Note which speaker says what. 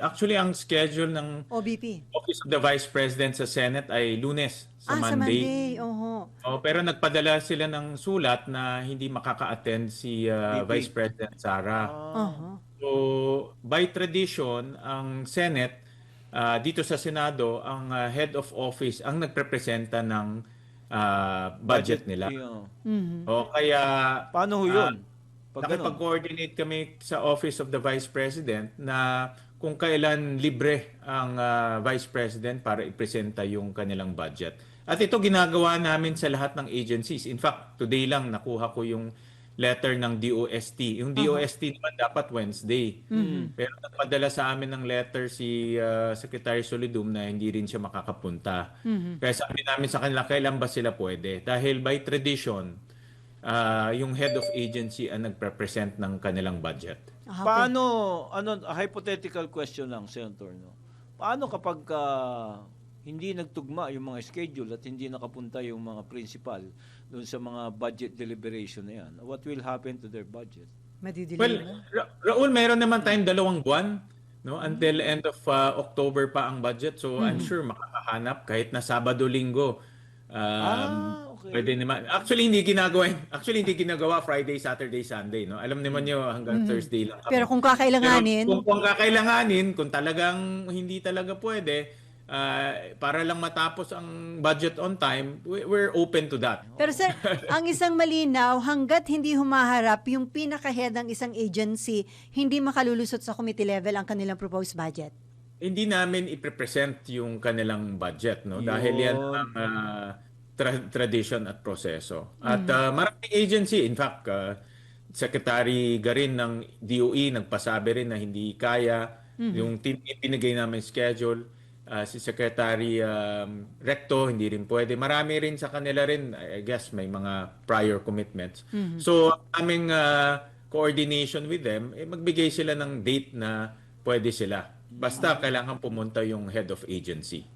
Speaker 1: Actually, ang schedule ng
Speaker 2: OBP.
Speaker 1: Office of the Vice President sa Senate ay Lunes sa
Speaker 2: Sa
Speaker 1: Monday.
Speaker 2: Monday. Oho.
Speaker 1: Pero nagpadala sila ng sulat na hindi makaka-attend si Vice
Speaker 3: VP.
Speaker 1: President Sara.
Speaker 2: Oho.
Speaker 1: So, by tradition, ang Senate, dito sa Senado, ang head of office ang nagprepresenta ng budget nila.
Speaker 2: Mhm.
Speaker 1: O kaya
Speaker 3: Paano ho yun? Pag ganun?
Speaker 1: nakipag-coordinate kami sa Office of the Vice President na kung kailan libre ang Vice President para ipresenta yung kanilang budget. At ito ginagawa namin sa lahat ng agencies. In fact, today lang nakuha ko yung letter ng DOST. Yung DOST naman dapat Wednesday. Pero nagpadala sa amin ng letter si Secretary Solidum na hindi rin siya makakapunta. Kaya sabi namin sa kanila, kailan ba sila pwede? Dahil by tradition, yung head of agency ang nagpresent ng kanilang budget.
Speaker 3: Paano, hypothetical question lang, Senator, no? Paano kapag hindi nagtugma yung mga schedule at hindi nakapunta yung mga principal doon sa mga budget deliberation na yan? What will happen to their budget?
Speaker 2: Madidilim
Speaker 1: Well,
Speaker 2: na.
Speaker 1: Raul, meron naman tayong 2 buwan, no? Until end of October pa ang budget. So I'm sure makakahanap kahit na Sabado-Linggo.
Speaker 3: Okay.
Speaker 1: Pwede naman. Actually hindi ginagawa Friday, Saturday, Sunday, no? Alam naman niyo hanggang Thursday lang kami.
Speaker 2: Pero kung kakailanganin,
Speaker 1: Pero kung kakailanganin, kung talagang hindi talaga pwede, para lang matapos ang budget on time, we're open to that.
Speaker 2: pero sir, ang isang malinaw, hanggat hindi humaharap yung pinaka-head ng isang agency, hindi makalulusot sa committee level ang kanilang proposed budget.
Speaker 1: Hindi namin i-present yung kanilang budget, no? Dahil yan ang tradition at proseso. At maraming agency, in fact, Secretary Garin ng DOE nagpasabi rin na hindi kaya yung pinigay namin schedule. Si Secretary Recto hindi rin pwede. Marami rin sa kanila rin, I guess may mga prior commitments. So aming coordination with them, magbigay sila ng date na pwede sila. Basta kailangan pumunta yung head of agency.